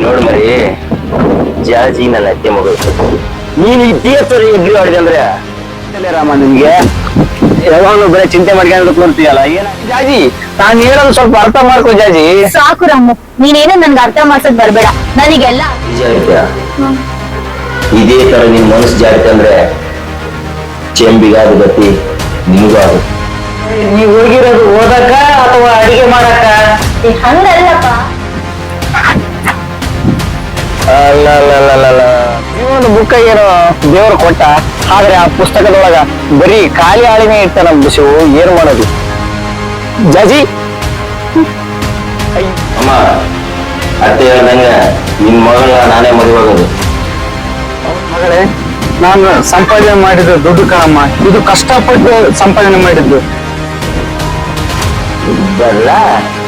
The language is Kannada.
ನೋಡ್ ಮರಿ ಜಾಜಿ ನನ್ನ ಅತ್ತೆ ಮಗಳು ನೀನ್ ಇತಿಹಾಸ ಎಗ್ರಿ ಹೊಡೆದೆ ಅಂದ್ರೆ ರಾಮ ನಿಮ್ಗೆ ಯಾವಾಗಲೂ ಬರೀ ಚಿಂತೆ ಮಾಡ್ಕೊಂಡು ಕೂರ್ತೀಯಲ್ಲ ಏನ ಜಾಜಿ ನಾನ್ ಹೇಳೋದು ಸ್ವಲ್ಪ ಅರ್ಥ ಮಾಡ್ಕೋ ಜಾಜಿ. ಸಾಕು ರಾಮು, ನೀನೇನು ನನ್ಗೆ ಅರ್ಥ ಮಾಡ್ಸಕ್ ಬರ್ಬೇಡ. ನನಗೆಲ್ಲ ನಿಜ ಐತ್ಯಾ ಇದೇ ತರ ನಿನ್ ಮನಸ್ಸು ಜಾರಿತೆ ಅಂದ್ರೆ ಚೆಂಬಿಗಾದ ಗತಿ ನಿಮಗೂ ಆಗುತ್ತೆ. ನೀವ್ ಹೋಗಿರೋದು ಓದಕ್ಕ ಅಥವಾ ಅಡಿಗೆ ಮಾಡಕ್ಕ? ಹಂಗಲ್ಲಪ್ಪ. ಅಲ್ಲ ಈ ಒಂದು ಬುಕ್ಕ ಏನೋ ದೇವರು ಕೊಟ್ಟ, ಆದ್ರೆ ಆ ಪುಸ್ತಕದೊಳಗ ಬರೀ ಖಾಲಿ ಹಾಳಿನೇ ಇರ್ತಾನ ಶಿವು. ಏನ್ ಮಾಡೋದು ಜಾಜಿ? ಅಮ್ಮ ಅತ್ತೆ ಹೇಳ್ದಂಗ ನಿನ್ ಮಗಳನ್ನ ನಾನೇ ಮದುವಾಗೋದು. ಮಗಳೇ, ನಾನು ಸಂಪಾದನೆ ಮಾಡಿದ್ದು ದುಡ್ಡು ಕಣಮ್ಮ, ಇದು ಕಷ್ಟಪಟ್ಟು ಸಂಪಾದನೆ ಮಾಡಿದ್ದು. ಬರಲ್ಲ